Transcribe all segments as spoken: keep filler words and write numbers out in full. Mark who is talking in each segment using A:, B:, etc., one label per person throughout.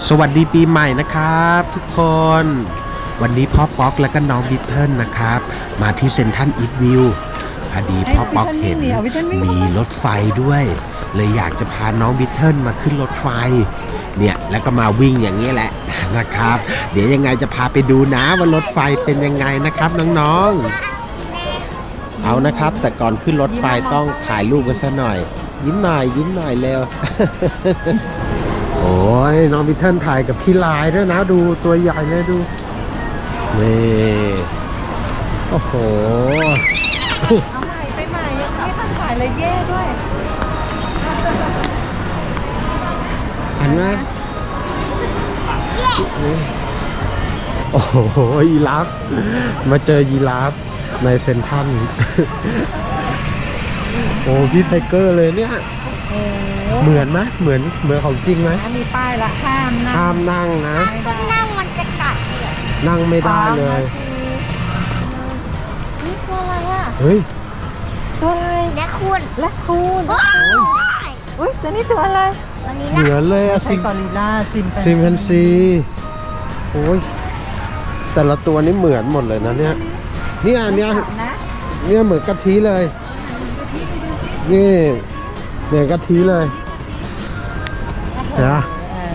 A: สวัสดีปีใหม่นะครับทุกคนวันนี้พ่อป๊อกและก็น้องบิทเทิลนะครับมาที่เซ็นทรัลอีทวิวพอดีพ่อป๊อกเห็นมีรถไฟด้วยเลยอยากจะพาน้องบิทเทิลมาขึ้นรถไฟเนี่ยแล้วก็มาวิ่งอย่างนี้แหละนะครับเดี๋ยวยังไงจะพาไปดูนะว่ารถไฟเป็นยังไงนะครับน้องๆเอานะครับแต่ก่อนขึ้นรถไฟต้องถ่ายรูปกันซะหน่อยยิ้มหน่อยยิ้มหน่อยเร็ว โอ้ยน้องบิทเทิลถ่ายกับพี่ลายด้วยนะดูตัวใหญ่เลยดูนี่โอ้โห
B: เอาใหม่ไปใหม่ยังไม่ทันถ่ายเลยเย่ด้วย
A: เห็นไหมโอ้โหยีราฟมาเจอยีราฟในเซ็นทรัลโอ้พี่ไทเกอร์เลยเนี่ยเหมือนไหมเหมือนเหมือนของจริงไหม
B: มีป้ายละห้ามนั่ง
A: ห้ามนั่งนะ
C: นั่งมันจะกัด
A: นั่งไม่ได้เลย
B: นี่ตัวอะไรอ่ะ
A: เฮ้ย
B: ตัวอะไร
C: และคุณ
B: และคุณอุ้ยตัวนี้ตัวอะไร
A: เหมือนเลยอะ
B: ซิมกอริลล่าซิม
A: ซิมแพนซีโอ้ยแต่ละตัวนี้เหมือนหมดเลยนะเนี่ยเนี่ยเนี่ยเนี่ยเหมือนกะทิเลยนี่เหมือนกะทิเลยนะ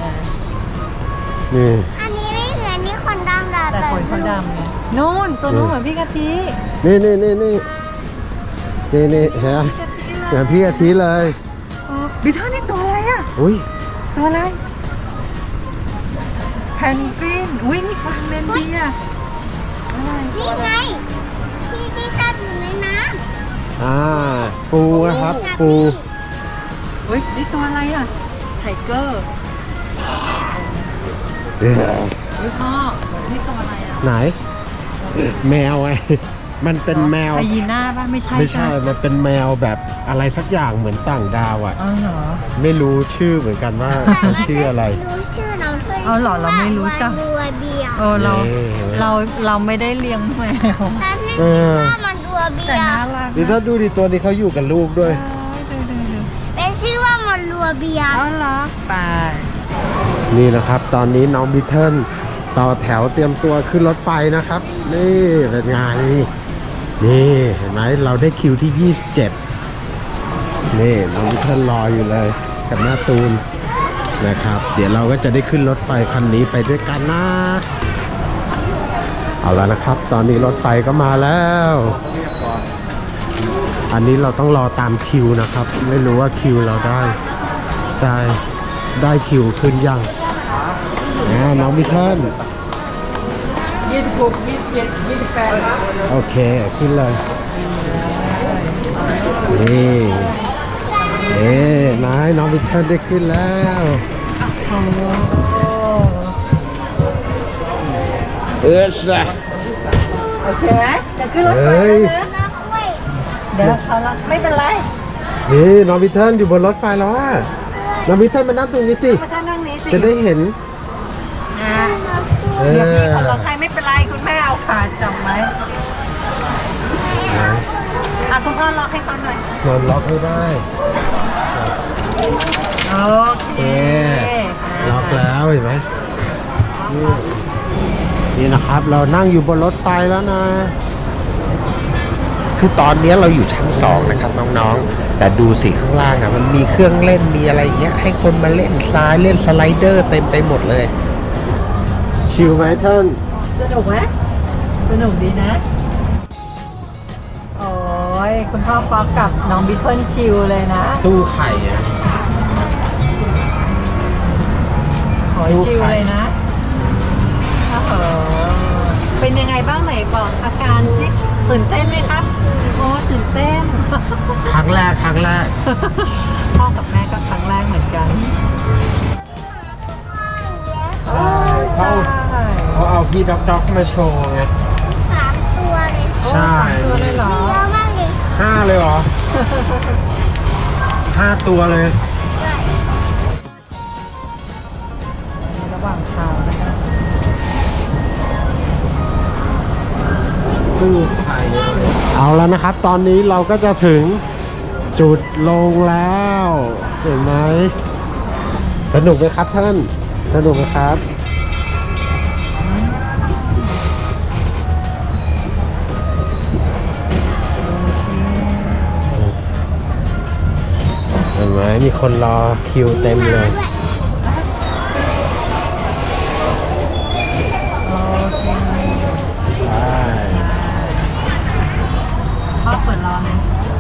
A: นี่
C: อันนี้ไม่เหมือนนี่คนดำ
B: แต่คนคนดำไงนู่นตัวนู้นเหมือนพี่กะทิ
A: นี่นี่นี่นี่นี่นี่ฮะเหมือนพี่กะทิเลย
B: บิทเทิลนี่ตัวอะไรอ่ะ
A: อุ้ย
B: ตัวอะไรแพนกวินอุ้ยนี่ฟางแมนเดียอะไร
C: นี่ไงที่ที่ชอบอยู่ในน้ำ
A: อ่าปูนะครับปู
B: อุ้ยนี่ตัวอะไรอ่ะไทเกอร์
A: เฮ้
B: ยพ่อนี่ตัวอะไรอ่ะ
A: ไหนแมวไงมันเป็นแมว
B: ไฮยีน่าป่ะไม่ใช่
A: ไม่ใช่มันเป็นแมวแบบอะไรสักอย่างเหมือนต่างดาวอ่ะ
B: อ๋อเหรอ
A: ไม่รู้ชื่อเหมือนกันว่าชื่ออะไร
C: รู้ชื่อเราด้วย
B: อ๋อเหรอเราไม่รู้จักเออเราเราเราไม่ได้เลี้ยงแมว
C: แต่ไม่คิดว่ามันดัวเบียร์
A: ดิถ้าดูดิตัวนี้เขาอยู่กับลูกด้วย
C: เป็นชื่อว่ามันรัวเบียร์
B: อ๋อเหรอไป
A: นี่นะครับตอนนี้น้องบิทเทิลต่อแถวเตรียมตัวขึ้นรถไฟนะครับนี่เป็นไงนี่เห็นไหมเราได้คิวที่ยี่สิบเจ็ดนี่น้องบิทเทิลรออยู่เลยกับหน้าตูนนะครับเดี๋ยวเราก็จะได้ขึ้นรถไฟคันนี้ไปด้วยกันนะเอาแล้วนะครับตอนนี้รถไฟก็มาแล้วอันนี้เราต้องรอตามคิวนะครับไม่รู้ว่าคิวเราได้ได้ได้คิวขึ้นยังนะน้องบิทเทิล
B: ยี่สิบหกยี่สิบเจ็ดยี่สิบแปด
A: โอเคขึ้นเลยนี่เอ๊ะนายน้องบิทเทิลได้ขึ้นแล้วเออสะ
B: โอเคจะขึ้นรถไฟแล้วนะเดี๋ยวเขาละไม่เป็นไร
A: นี่น้องบิทเทิลอยู่บนรถไฟแล้วอ่ะน้องบิทเทิลมานั่งตรงนี้สิจะได้เห็น
B: เดี๋ยวพี่เขาล็อกให้ไม่เป็นไรคุณแม่เอาขาจับไว้อ่ะคุณพ่อล็อกให้เขาหน่อย
A: นอนล็อกให้ได้
B: โอเค
A: ล็อกแล้วเห็นไหมนี่นะครับเรานั่งอยู่บนรถไฟแล้วนะคือตอนนี้เราอยู่ชั้นสองนะครับน้องๆแต่ดูสิข้างล่างอ่ะมันมีเครื่องเล่นมีอะไรเงี้ยให้คนมาเล่นสไลด์เล่นสไลเดอร์เต็มไปหมดเลยชิลไหมท่าน
B: สนุกไหมสนุกดีนะโอ้ยคุณพ่อป๊อกกับน้องบิทเทิลชิลเลยนะ
A: ตู้ไข่อะ
B: ขอชิลเลยนะโอ้โหเป็นยังไงบ้างไหนบอกอาการสิตื่นเต้นไหมครับโอ้ตื่นเต้น
A: ครั้งแรกครั้งแรก
B: พ่อกับแม่ก็ครั้งแรกเหมือนกัน
A: ใช่เขาเขาเอาพี่ด็อกด็อกมาโชว์ไง
C: สามตัวเลย
A: ใช่
B: ตัวเลยเหรอ
C: เยอะมากเลย
A: ห้าเลยเหรอห้าตัวเลย
B: ระหว่างทางนะครับ
A: ตู้ไข่เอาแล้วนะครับตอนนี้เราก็จะถึงจุดลงแล้วเห็นไหมสนุกไหมครับท่านสนุกไหมครับเห็นไหมมีคนรอคิวเต็มเลย
B: โอเค
A: ไป
B: พ่อเปิดรอเลย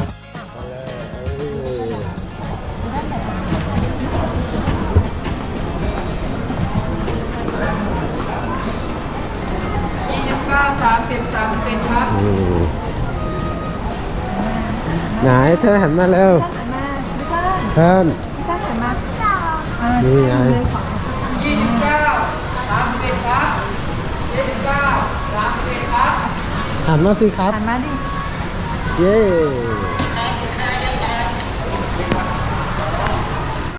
B: ยี่สิบเก้าสามสิบสามสิบเป็นครับ
A: อืมไหนเธอหันมาเร็ว
B: หันมาพี่ต้น
A: เพิ่น
B: พี่ต้นหันมาอ่า
A: นี่ไง
B: ยี่สิบเก้าสามสิบเอ็ดครับยี่สิบเก้าสามสิบเอ็ดครับ
A: หันมาสิครับ
B: หันมาดิ
A: เย้